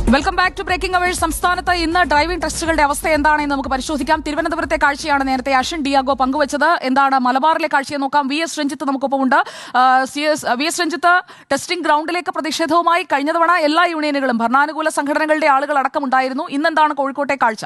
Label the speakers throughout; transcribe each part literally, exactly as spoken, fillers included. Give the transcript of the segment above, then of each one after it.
Speaker 1: Welcome back to breaking hours. സംസ്ഥാനത്ത് ഇന്ന് driving ടെസ്റ്റുകളുടെ അവസ്ഥ എന്താണെന്ന് നമുക്ക് പരിശോധിക്കാം. തിരുവനന്തപുരത്തെ കാഴ്ചയാണ് നേരത്തെ അശ്വിൻ ഡിയാഗോ പങ്കുവച്ചത്. എന്താണ് മലബാറിലെ കാഴ്ചയെ നോക്കാം. വി എസ് രഞ്ജിത്ത് നമുക്കൊപ്പമുണ്ട്. വി എസ് രഞ്ജിത്ത്, ടെസ്റ്റിംഗ് ഗ്രൗണ്ടിലേക്ക് പ്രതിഷേധവുമായി കഴിഞ്ഞ തവണ എല്ലാ യൂണിയനുകളും ഭരണാനുകൂല സംഘടനകളുടെ ആളുകൾ അടക്കമുണ്ടായിരുന്നു. ഇന്നെന്താണ് കോഴിക്കോട്ടെ കാഴ്ച?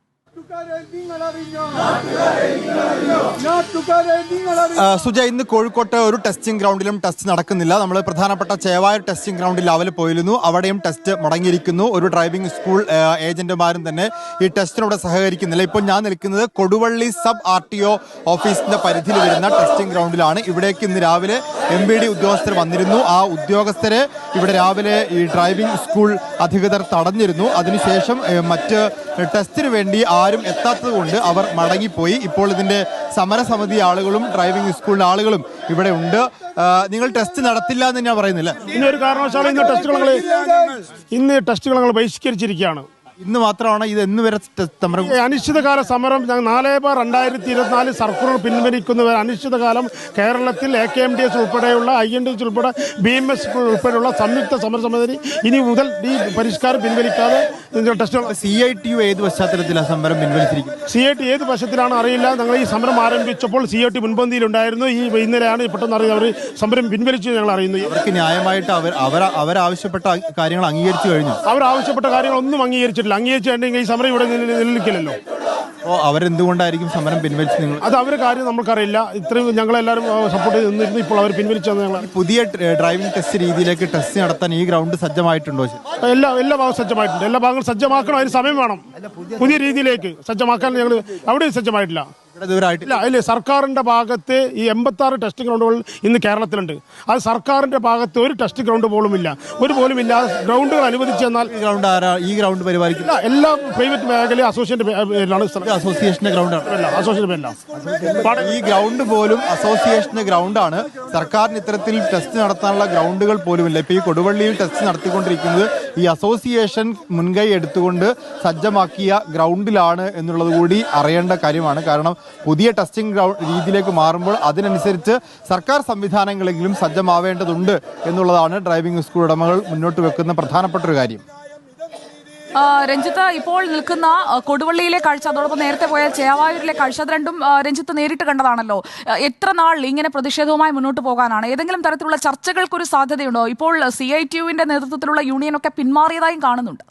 Speaker 2: സുജ, ഇന്ന് കോഴിക്കോട്ട് ഒരു ടെസ്റ്റിംഗ് ഗ്രൗണ്ടിലും ടെസ്റ്റ് നടക്കുന്നില്ല. നമ്മൾ പ്രധാനപ്പെട്ട ചേവായൂർ ടെസ്റ്റിംഗ് ഗ്രൗണ്ടിൽ രാവിലെ പോയിരുന്നു. അവിടെയും ടെസ്റ്റ് മുടങ്ങിയിരിക്കുന്നു. ഒരു ഡ്രൈവിംഗ് സ്കൂൾ ഏജന്റുമാരും തന്നെ ഈ ടെസ്റ്റിനോട് സഹകരിക്കുന്നില്ല. ഇപ്പോൾ ഞാൻ നിൽക്കുന്നത് Koduvally sub R T O ഓഫീസിന്റെ പരിധിയിൽ വരുന്ന ടെസ്റ്റിംഗ് ഗ്രൗണ്ടിലാണ്. ഇവിടേക്ക് ഇന്ന് രാവിലെ എം ബി ഡി ഉദ്യോഗസ്ഥർ വന്നിരുന്നു. ആ ഉദ്യോഗസ്ഥരെ ഇവിടെ രാവിലെ ഈ ഡ്രൈവിംഗ് സ്കൂൾ അധികൃതർ തടഞ്ഞിരുന്നു. അതിനുശേഷം മറ്റ് ടെസ്റ്റിന് വേണ്ടി ആരും എത്താത്തത് കൊണ്ട് അവർ മടങ്ങിപ്പോയി. ഇപ്പോൾ ഇതിന്റെ സമരസമിതി ആളുകളും ഡ്രൈവിംഗ് സ്കൂളിലെ ആളുകളും ഇവിടെ ഉണ്ട്. നിങ്ങൾ ടെസ്റ്റ് നടത്തില്ല എന്ന് ഞാൻ പറയുന്നില്ല.
Speaker 3: ഇന്നൊരു കാരണവശാലും ഇന്ന് ടെസ്റ്റുകൾ ഇന്ന് ടെസ്റ്റുകൾ ഞങ്ങൾ ബഹിഷ്കരിച്ചിരിക്കുകയാണ്.
Speaker 2: ഇന്ന് മാത്രമാണ് ഇത് എന്ന് വരെ സമരം?
Speaker 3: അനിശ്ചിതകാല സമരം നാല് ബാർ രണ്ടായിരത്തി ഇരുപത്തിനാല് സർക്കുലർ പിൻവലിക്കുന്നവർ അനിശ്ചിതകാലം കേരളത്തിൽ A K M D S ഉൾപ്പെടെയുള്ള ഐ എൻ ഡി എസ് ഉൾപ്പെടെ ബി എം എസ് ഉൾപ്പെടെയുള്ള സംയുക്ത സമരസമിതി ഇനി മുതൽ ഈ പരിഷ്കാരം പിൻവലിക്കാതെ test.
Speaker 2: C I T U ഏത് പശ്ചാത്തലത്തിലാണ് സമരം പിൻവലിച്ചിരിക്കുന്നത്?
Speaker 3: സി ഐ ടി ഏത് വശത്തിലാണ് അറിയില്ല. ഞങ്ങൾ ഈ സമരം ആരംഭിച്ചപ്പോൾ സി ഐ ടി മുൻപന്തിയിലുണ്ടായിരുന്നു. ഈ ഇന്നലെയാണ് പെട്ടെന്ന് അറിയുന്നത് അവർ സമരം പിൻവലിച്ചു ഞങ്ങൾ അറിയുന്നു.
Speaker 2: അവർക്ക് ന്യായമായിട്ട് അവർ അവർ അവരാവശ്യപ്പെട്ട കാര്യങ്ങൾ അംഗീകരിച്ചു കഴിഞ്ഞു.
Speaker 3: അവർ ആവശ്യപ്പെട്ട കാര്യങ്ങളൊന്നും അംഗീകരിച്ചിട്ടില്ല. അംഗീകരിച്ചിട്ടുണ്ടെങ്കിൽ ഈ സമരം ഇവിടെ നിലനിൽക്കില്ലല്ലോ.
Speaker 2: ഓ, അവരെന്തുകൊണ്ടായിരിക്കും സമരം പിൻവലിച്ചു? നിങ്ങൾ
Speaker 3: അത് അവരുടെ കാര്യം നമുക്കറിയില്ല. ഇത്രയും ഞങ്ങളെല്ലാവരും സപ്പോർട്ട് ചെയ്ത് നിന്നിരുന്നു. ഇപ്പോൾ അവർ പിൻവലിച്ചത് ഞങ്ങൾ
Speaker 2: പുതിയ ഡ്രൈവിംഗ് ടെസ്റ്റ് രീതിയിലേക്ക് ടെസ്റ്റ് നടത്താൻ ഈ ഗ്രൗണ്ട് സജ്ജമായിട്ടുണ്ടോ?
Speaker 3: എല്ലാ എല്ലാ ഭാഗവും സജ്ജമായിട്ടുണ്ട്. എല്ലാ ഭാഗങ്ങളും സജ്ജമാക്കണം. അതിന് സമയം വേണം. പുതിയ രീതിയിലേക്ക് സജ്ജമാക്കാൻ ഞങ്ങൾ അവിടെയും സജ്ജമായിട്ടില്ല. ഇല്ല ഇല്ല സർക്കാരിന്റെ ഭാഗത്ത് ഈ എൺപത്തി ആറ് ടെസ്റ്റ് ഗ്രൗണ്ടുകൾ ഇന്ന് കേരളത്തിലുണ്ട്. അത് സർക്കാരിന്റെ ഭാഗത്ത് ഒരു ടെസ്റ്റ് ഗ്രൗണ്ട് പോലും ഇല്ല. ഒരു പോലും ഇല്ല. ഗ്രൗണ്ടുകൾ അനുവദിച്ചു എന്നാൽ
Speaker 2: ഗ്രൗണ്ട് ആരാ ഈ ഗ്രൗണ്ട് പരിപാലിക്കില്ല?
Speaker 3: എല്ലാ പ്രൈവറ്റ് മേഖല അസോസിയേഷൻ പേരിലാണ്.
Speaker 2: അസോസിയേഷന്റെ ഗ്രൗണ്ടാണ്.
Speaker 3: അസോസിയേഷൻ പേരിലാണ്.
Speaker 2: ഈ ഗ്രൗണ്ട് പോലും അസോസിയേഷന്റെ ഗ്രൗണ്ടാണ്. സർക്കാരിന് ഇത്തരത്തിൽ ടെസ്റ്റ് നടത്താനുള്ള ഗ്രൗണ്ടുകൾ പോലും ഇല്ല. ഇപ്പൊ ഈ കൊടുവള്ളിയിൽ ടെസ്റ്റ് നടത്തിക്കൊണ്ടിരിക്കുന്നത് ഈ അസോസിയേഷൻ മുൻകൈ എടുത്തുകൊണ്ട് സജ്ജമാക്കിയ ഗ്രൗണ്ടിലാണ് എന്നുള്ളത് കൂടി അറിയേണ്ട കാര്യമാണ്. കാരണം പുതിയ ടെസ്റ്റിംഗ് ഗ്രൗണ്ട് രീതിയിലേക്ക് മാറുമ്പോൾ അതിനനുസരിച്ച് സർക്കാർ സംവിധാനങ്ങളെങ്കിലും സജ്ജമാവേണ്ടതുണ്ട് എന്നുള്ളതാണ് ഡ്രൈവിംഗ് സ്കൂൾ ഉടമകൾ മുന്നോട്ട് വെക്കുന്ന പ്രധാനപ്പെട്ട ഒരു കാര്യം.
Speaker 1: രഞ്ജിത്ത്, ഇപ്പോൾ നിൽക്കുന്ന കൊടുവള്ളിയിലെ കാഴ്ച, അതോടൊപ്പം നേരത്തെ പോയ ചേവായൂരിലെ കാഴ്ച, അത് രണ്ടും രഞ്ജിത്ത് നേരിട്ട് കണ്ടതാണല്ലോ. എത്ര നാൾ ഇങ്ങനെ പ്രതിഷേധവുമായി മുന്നോട്ട് പോകാനാണ്? ഏതെങ്കിലും തരത്തിലുള്ള ചർച്ചകൾക്കൊരു സാധ്യതയുണ്ടോ? ഇപ്പോൾ സി ഐ ടി യുവിന്റെ നേതൃത്വത്തിലുള്ള യൂണിയനൊക്കെ പിന്മാറിയതായും കാണുന്നുണ്ട്.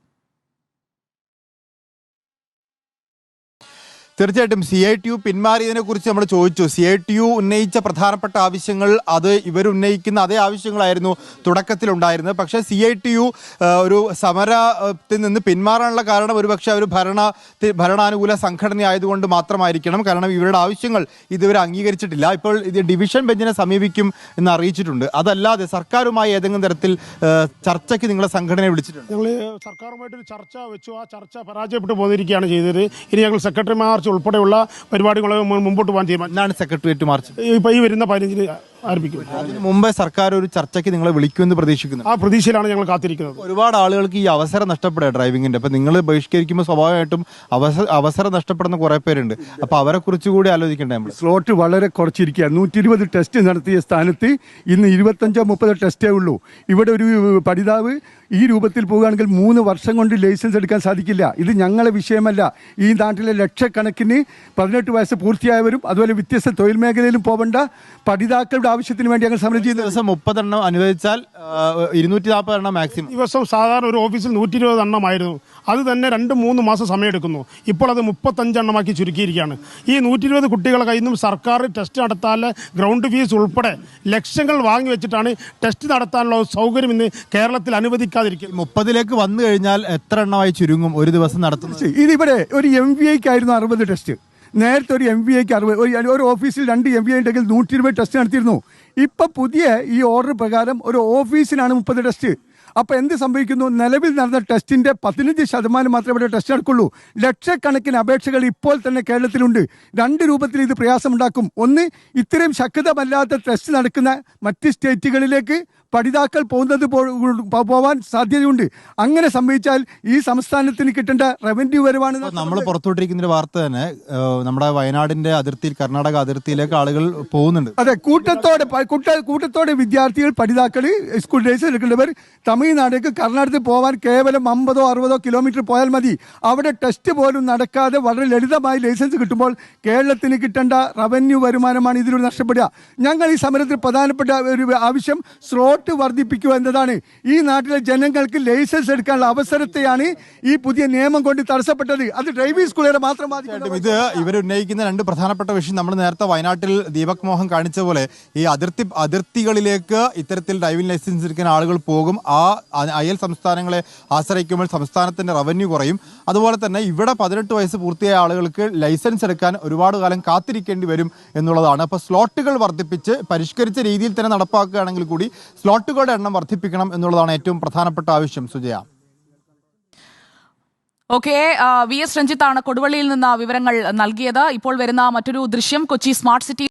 Speaker 2: തീർച്ചയായിട്ടും സി ഐ ടി യു പിന്മാറിയതിനെ കുറിച്ച് നമ്മൾ ചോദിച്ചു. സി ഐ ടി യു ഉന്നയിച്ച പ്രധാനപ്പെട്ട ആവശ്യങ്ങൾ അത് ഇവരുന്നയിക്കുന്ന അതേ ആവശ്യങ്ങളായിരുന്നു തുടക്കത്തിലുണ്ടായിരുന്നത്. പക്ഷേ സി ഐ ടി യു ഒരു സമരത്തിൽ നിന്ന് പിന്മാറാനുള്ള കാരണം ഒരുപക്ഷെ അവർ ഭരണ ഭരണാനുകൂല സംഘടന ആയതുകൊണ്ട് മാത്രമായിരിക്കണം. കാരണം ഇവരുടെ ആവശ്യങ്ങൾ ഇതുവരെ അംഗീകരിച്ചിട്ടില്ല. ഇപ്പോൾ ഇത് ഡിവിഷൻ ബെഞ്ചിനെ സമീപിക്കും എന്ന് അറിയിച്ചിട്ടുണ്ട്. അതല്ലാതെ സർക്കാരുമായി ഏതെങ്കിലും തരത്തിൽ ചർച്ചയ്ക്ക് നിങ്ങളെ സംഘടനയെ വിളിച്ചിട്ടുണ്ട്?
Speaker 3: ഞങ്ങൾ സർക്കാരുമായിട്ടൊരു ചർച്ച വെച്ചു. ആ ചർച്ച പരാജയപ്പെട്ടു പോന്നിരിക്കുകയാണ് ചെയ്തത്. ഇനി ഞങ്ങൾ സെക്രട്ടറി മാർച്ച് ഉൾപ്പെടെയുള്ള പരിപാടികൾ മുമ്പോട്ട് പോകാൻ തീരുമാനം.
Speaker 2: സെക്രട്ടേറിയറ്റ് മാർച്ച്
Speaker 3: ഇപ്പൊ ഈ വരുന്ന പതിനഞ്ചിന് ആരംഭിക്കും.
Speaker 2: അതിന് മുമ്പേ സർക്കാർ ഒരു ചർച്ചയ്ക്ക് നിങ്ങളെ വിളിക്കുമെന്ന് പ്രതീക്ഷിക്കുന്നു.
Speaker 3: ആ പ്രതീക്ഷയിലാണ് ഞങ്ങൾ കാത്തിരിക്കുന്നത്.
Speaker 2: ഒരുപാട് ആളുകൾക്ക് ഈ അവസരം നഷ്ടപ്പെടുക ഡ്രൈവിംഗിന്റെ. അപ്പൊ നിങ്ങൾ ബഹിഷ്കരിക്കുമ്പോൾ സ്വാഭാവികമായിട്ടും അവസരം അവസരം നഷ്ടപ്പെടുന്ന കുറെ പേരുണ്ട്. അപ്പൊ അവരെ കുറിച്ച് കൂടി ആലോചിക്കണ്ടേ നമ്മൾ?
Speaker 4: സ്ലോട്ട് വളരെ കുറച്ചിരിക്കുക. നൂറ്റി ഇരുപത് ടെസ്റ്റ് നടത്തിയ സ്ഥാനത്ത് ഇന്ന് ഇരുപത്തഞ്ചോ മുപ്പതോ ടെസ്റ്റേ ഉള്ളൂ. ഇവിടെ ഒരു പഠിതാവ് ഈ രൂപത്തിൽ പോകുകയാണെങ്കിൽ മൂന്ന് വർഷം കൊണ്ട് ലൈസൻസ് എടുക്കാൻ സാധിക്കില്ല. ഇത് ഞങ്ങളെ വിഷയമല്ല. ഈ നാട്ടിലെ ലക്ഷക്കണക്കിന് പതിനെട്ട് വയസ്സ് പൂർത്തിയായവരും അതുപോലെ വ്യത്യസ്ത തൊഴിൽ മേഖലയിലും പോകേണ്ട പഠിതാക്കളുടെ ആവശ്യത്തിന് വേണ്ടി ഞങ്ങൾ സമരം ചെയ്യുന്ന
Speaker 2: ദിവസം മുപ്പതെണ്ണം അനുവദിച്ചാൽ ഇരുന്നൂറ്റി നാൽപ്പത് എണ്ണം മാക്സിമം.
Speaker 3: ദിവസം സാധാരണ ഒരു ഓഫീസിൽ നൂറ്റി ഇരുപത് എണ്ണമായിരുന്നു. അത് തന്നെ രണ്ട് മൂന്ന് മാസം സമയമെടുക്കുന്നു. ഇപ്പോൾ അത് മുപ്പത്തഞ്ചെണ്ണമാക്കി ചുരുക്കിയിരിക്കുകയാണ്. ഈ നൂറ്റി ഇരുപത് കുട്ടികളെ കയ്യിൽ നിന്നും സർക്കാർ ടെസ്റ്റ് നടത്താൻ ഗ്രൗണ്ട് ഫീസ് ഉൾപ്പെടെ ലക്ഷങ്ങൾ വാങ്ങി വെച്ചിട്ടാണ് ടെസ്റ്റ് നടത്താനുള്ള സൗകര്യം ഇന്ന് കേരളത്തിൽ അനുവദിക്കാതിരിക്കും.
Speaker 2: മുപ്പതിലേക്ക് വന്നു കഴിഞ്ഞാൽ എത്ര എണ്ണമായി ചുരുങ്ങും ഒരു ദിവസം നടത്തുന്നത്?
Speaker 4: ഇതിവിടെ ഒരു എം വി ഐക്കായിരുന്നു അറുപത് ടെസ്റ്റ്. നേരത്തെ ഒരു എം വി ഐക്ക് അറുപത്, ഒരു ഓഫീസിൽ രണ്ട് എം വി ഐ ഉണ്ടെങ്കിൽ നൂറ്റി ഇരുപത് ടെസ്റ്റ് നടത്തിയിരുന്നു. ഇപ്പം പുതിയ ഈ ഓർഡർ പ്രകാരം ഒരു ഓഫീസിനാണ് മുപ്പത് ടെസ്റ്റ്. അപ്പോൾ എന്ത് സംഭവിക്കുന്നു? നിലവിൽ നടന്ന ടെസ്റ്റിൻ്റെ പതിനഞ്ച് ശതമാനം മാത്രമേ ഇവിടെ ടെസ്റ്റ് നടക്കുള്ളൂ. ലക്ഷക്കണക്കിന് അപേക്ഷകൾ ഇപ്പോൾ തന്നെ കേരളത്തിലുണ്ട്. രണ്ട് രൂപത്തിൽ ഇത് പ്രയാസമുണ്ടാക്കും. ഒന്ന്, ഇത്രയും ശക്തമല്ലാത്ത ടെസ്റ്റ് നടക്കുന്ന മറ്റ് സ്റ്റേറ്റുകളിലേക്ക് പഠിതാക്കൾ പോകുന്നത് പോവാൻ സാധ്യതയുണ്ട്. അങ്ങനെ സംഭവിച്ചാൽ ഈ സംസ്ഥാനത്തിന് കിട്ടേണ്ട റവന്യൂ വരവാണ്.
Speaker 2: നമ്മൾ പുറത്തോട്ടിരിക്കുന്ന വാർത്ത തന്നെ നമ്മുടെ വയനാടിന്റെ അതിർത്തിയിൽ, കർണാടക അതിർത്തിയിലേക്ക് ആളുകൾ പോകുന്നുണ്ട്.
Speaker 4: അതെ, കൂട്ടത്തോടെ കൂട്ടത്തോടെ വിദ്യാർത്ഥികൾ, പഠിതാക്കൾ, സ്കൂൾ ഡേയ്സ് എടുക്കേണ്ടവർ തമിഴ്നാടേക്ക് കർണാടകത്തിൽ പോകാൻ കേവലം അമ്പതോ അറുപതോ കിലോമീറ്റർ പോയാൽ മതി. അവിടെ ടെസ്റ്റ് പോലും നടക്കാതെ വളരെ ലളിതമായി ലൈസൻസ് കിട്ടുമ്പോൾ കേരളത്തിന് കിട്ടേണ്ട റവന്യൂ വരുമാനമാണ് ഇതിലൂടെ നഷ്ടപ്പെടുക. ഞങ്ങൾ ഈ സമരത്തിൽ പ്രധാനപ്പെട്ട ഒരു ആവശ്യം സ്ലോട്ട് വർദ്ധിപ്പിക്കുക എന്നതാണ്. ഈ നാട്ടിലെ ജനങ്ങൾക്ക് ലൈസൻസ് എടുക്കാനുള്ള അവസരത്തെയാണ് ഈ പുതിയ നിയമം കൊണ്ട് തടസ്സപ്പെട്ടത്. അത് ഡ്രൈവിംഗ് സ്കൂളുകാരെ മാത്രം ബാധിക്കും.
Speaker 2: ഇത് ഇവരുന്നയിക്കുന്ന രണ്ട് പ്രധാനപ്പെട്ട വിഷയം നമ്മൾ നേരത്തെ വയനാട്ടിൽ ദീപക് മോഹൻ കാണിച്ച പോലെ ഈ അതിർത്തി അതിർത്തികളിലേക്ക് ഇത്തരത്തിൽ ഡ്രൈവിംഗ് ലൈസൻസ് എടുക്കുന്ന ആളുകൾ പോകും. ആ അയൽ സംസ്ഥാനങ്ങളെ ആശ്രയിക്കുമ്പോൾ സംസ്ഥാനത്തിന്റെ റവന്യൂ കുറയും. അതുപോലെ തന്നെ ഇവിടെ പതിനെട്ട് വയസ്സ് പൂർത്തിയായ ആളുകൾക്ക് ലൈസൻസ് എടുക്കാൻ ഒരുപാട് കാലം കാത്തിരിക്കേണ്ടി വരും എന്നുള്ളതാണ്. അപ്പോൾ സ്ലോട്ടുകൾ വർദ്ധിപ്പിച്ച് പരിഷ്കരിച്ച രീതിയിൽ തന്നെ നടപ്പാക്കുകയാണെങ്കിൽ കൂടി സ്ലോട്ടുകളുടെ എണ്ണം വർദ്ധിപ്പിക്കണം എന്നുള്ളതാണ് ഏറ്റവും പ്രധാനപ്പെട്ട ആവശ്യം. സുജയ.
Speaker 1: ഓക്കെ, വി എസ് രഞ്ജിത്താണ് കൊടുവള്ളിയിൽ നിന്ന് വിവരങ്ങൾ നൽകിയത്. ഇപ്പോൾ വരുന്ന മറ്റൊരു ദൃശ്യം കൊച്ചി സ്മാർട്ട് സിറ്റി